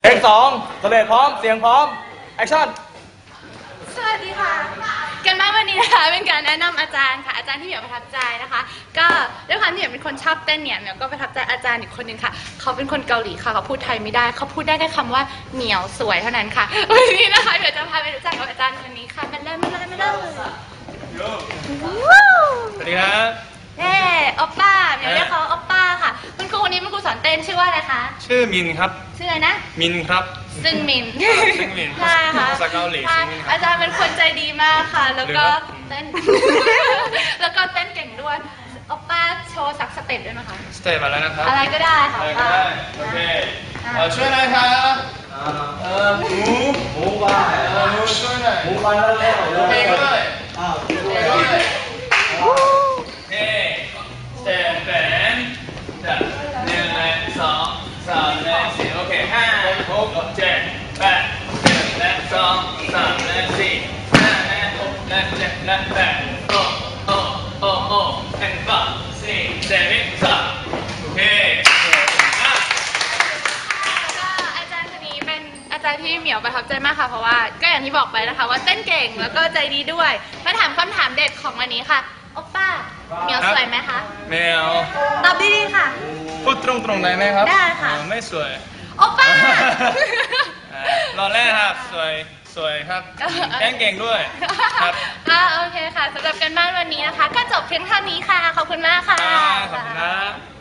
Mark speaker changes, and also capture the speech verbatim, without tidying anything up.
Speaker 1: เพลงสองสเลดพร้อมเสียงพร้อมแอคชั่น
Speaker 2: สวัสดีค่ะกันบ้านวันนี้นะคะเป็นการแนะนำอาจารย์ค่ะอาจารย์ที่เหมียวประทับใจนะคะก็ด้วยความที่เหมียวเป็นคนชอบเต้นเนี่ยเหมียวก็ประทับใจอาจารย์อีกคนนึงค่ะเขาเป็นคนเกาหลีค่ะเขาพูดไทยไม่ได้เขาพูดได้แค่คำว่าเหมียวสวยเท่านั้นค่ะวันนี้นะคะเดี๋ยวจะพาไปรู้จักกับอาจารย์คนนี้ค่ะมาเลยมาเลยมาเลย
Speaker 1: สวัสดีครับ
Speaker 2: เน่โอปป้าเหมียวเรียกเขาโอปป้าค่ะคุณครูคนนี้เป็นครูสอนเต้นชื่อว่าอะไรคะ
Speaker 1: ชื่อมินครับ
Speaker 2: ชื่ออะไรนะ
Speaker 1: มินครับ
Speaker 2: ซึ่งมิน
Speaker 1: ซึ่งมิน
Speaker 2: ใช่ค่ะ
Speaker 1: ภาษาเกาหลี
Speaker 2: อาจารย์เป็นคนใจดีมากค่ะแล้วก็เต้นแล้วก็เต้นเก่งด้วยโอปป้าโชว์สักสเต็ปด้วยนะคะ
Speaker 1: สเต็ปอะไรนะครับ
Speaker 2: อะไรก็ได้ค่ะ
Speaker 1: โอเคช่วยหน่อยครับเออหมูหมูบ้าหมูช่วยหน่อยหมูบ้าแล้วเต้นด้วยอ้าวด้วยเฮ้สเต็ปแบนจับหนึ่งและสองสามและสี่โอเคห้าหกเจ็ดแปดหนึ่งและสองสามและสี่ห้าและหกและเจ็ดและแปดโอ้โอ้โอ้โอ้แอนด์fiveสี่เจ็ดสามโอเค
Speaker 2: อาจารย์คนนี้เป็นอาจารย์ที่เหมียวประทับใจมากค่ะเพราะว่าก็อย่างที่บอกไปนะคะว่าเต้นเก่งแล้วก็ใจดีด้วยมาถามคำถามเด็ดของวันนี้ค่ะโอป้าเหมียวสวยไหมคะ
Speaker 1: ไม่เอา
Speaker 2: ตอบดีๆค่ะ
Speaker 1: พูดตรงๆได้ไหมครับ
Speaker 2: ได้ค่ะ
Speaker 1: ไม่สวย
Speaker 2: โอป้า
Speaker 1: รอแรกครับสวยสวยครับแข่งเก่งด้วยครับ
Speaker 2: อ่าโอเคค่ะสำหรับกันบ้านวันนี้นะคะก็จบเพียงเท่านี้ค่ะขอบคุณมากค่ะ
Speaker 1: ขอบคุณนะ